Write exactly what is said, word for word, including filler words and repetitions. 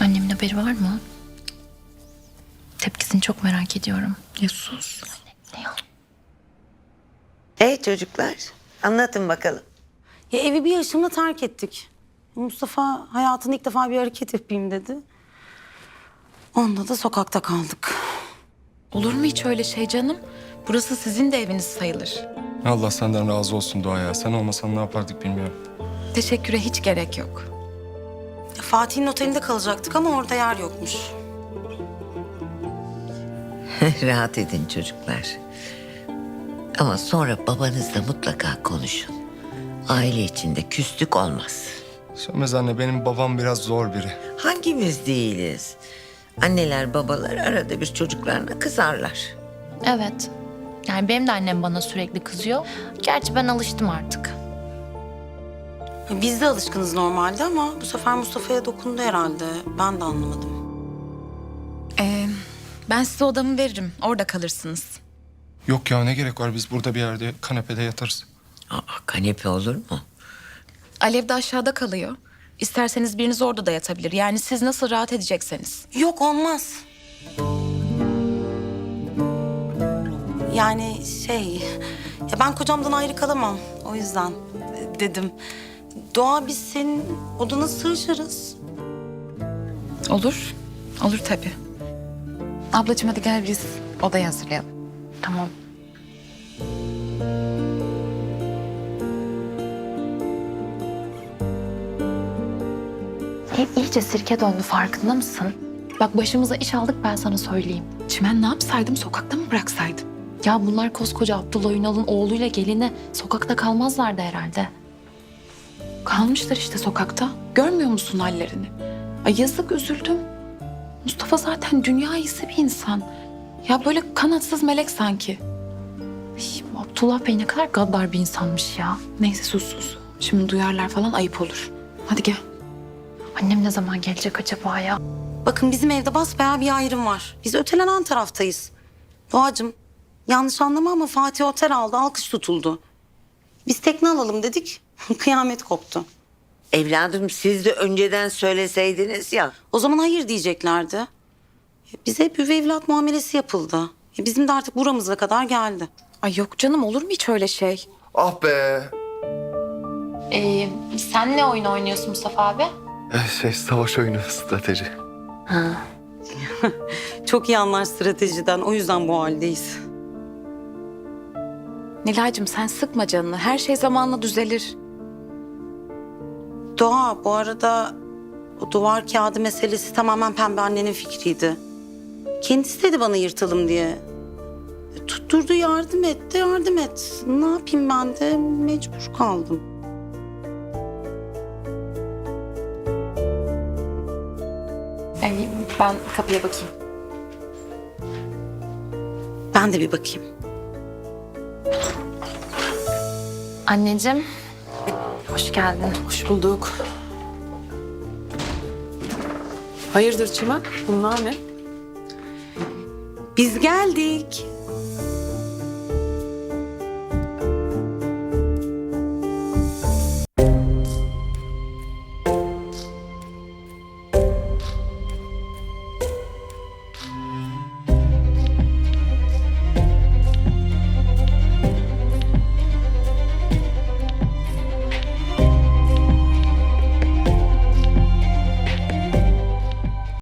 Annemin haberi var mı? Tepkisini çok merak ediyorum. Ya sus. Ne ya? Hey çocuklar, anlatın bakalım. Ya evi bir yaşımda terk ettik. Mustafa hayatında ilk defa bir hareket yapayım dedi. Onda da sokakta kaldık. Olur mu hiç öyle şey canım? Burası sizin de eviniz sayılır. Allah senden razı olsun Doğa ya. Sen olmasan ne yapardık bilmiyorum. Teşekküre hiç gerek yok. Ya Fatih'in otelinde kalacaktık ama orada yer yokmuş. Rahat edin çocuklar. Ama sonra babanızla mutlaka konuşun. Aile içinde küslük olmaz. Sönmez anne, benim babam biraz zor biri. Hangimiz değiliz? Anneler babalar arada bir çocuklarına kızarlar. Evet. Yani benim de annem bana sürekli kızıyor. Gerçi ben alıştım artık. Ya biz de alışkınız normalde ama bu sefer Mustafa'ya dokundu herhalde. Ben de anlamadım. Ee, ben size odamı veririm. Orada kalırsınız. Yok ya, ne gerek var, biz burada bir yerde kanepede yatarız. Aa, kanepe olur mu? Alev de aşağıda kalıyor. İsterseniz biriniz orada da yatabilir. Yani siz nasıl rahat edecekseniz. Yok olmaz. Yani şey... Ya ben kocamdan ayrı kalamam. O yüzden e, dedim. Doğa biz senin odana sığışırız. Olur. Olur tabii. Ablacığım hadi gel biz odayı hazırlayalım. Tamam. Ev iyice sirke döndü, farkında mısın? Bak başımıza iş aldık, ben sana söyleyeyim. Çimen ne yapsaydım? Sokakta mı bıraksaydım? Ya bunlar koskoca Abdullah Ünal'ın oğluyla gelini, sokakta kalmazlardı herhalde. Kalmışlar işte sokakta. Görmüyor musun hallerini? Ay yazık, üzüldüm. Mustafa zaten dünya iyisi bir insan. Ya böyle kanatsız melek sanki. Ay, bu Abdullah Bey ne kadar gaddar bir insanmış ya. Neyse sus sus. Şimdi duyarlar falan, ayıp olur. Hadi gel. Annem ne zaman gelecek acaba ya? Bakın bizim evde basbayağı bir ayrım var. Biz ötelenen taraftayız. Doğacığım yanlış anlama ama Fatih otel aldı, alkış tutuldu. Biz tekne alalım dedik, kıyamet koptu. Evladım siz de önceden söyleseydiniz ya. O zaman hayır diyeceklerdi. Bize hep üvey evlat muamelesi yapıldı. Bizim de artık buramıza kadar geldi. Ay yok canım, olur mu hiç öyle şey? Ah be. Ee, sen ne oyun oynuyorsun Mustafa abi? Eh, Şey, savaş oyunu, strateji. Çok iyi anlar stratejiden, o yüzden bu haldeyiz. Nilay'cığım sen sıkma canını. Her şey zamanla düzelir. Doğa bu arada o duvar kağıdı meselesi tamamen Pembe annenin fikriydi. Kendisi dedi bana yırtalım diye. E, Tutturdu, yardım et de yardım et. Ne yapayım, ben de mecbur kaldım. Ay, ben kapıya bakayım. Ben de bir bakayım. Anneciğim, hoş geldin. Hoş bulduk. Hayırdır Çimen? Bunlar ne? Biz geldik.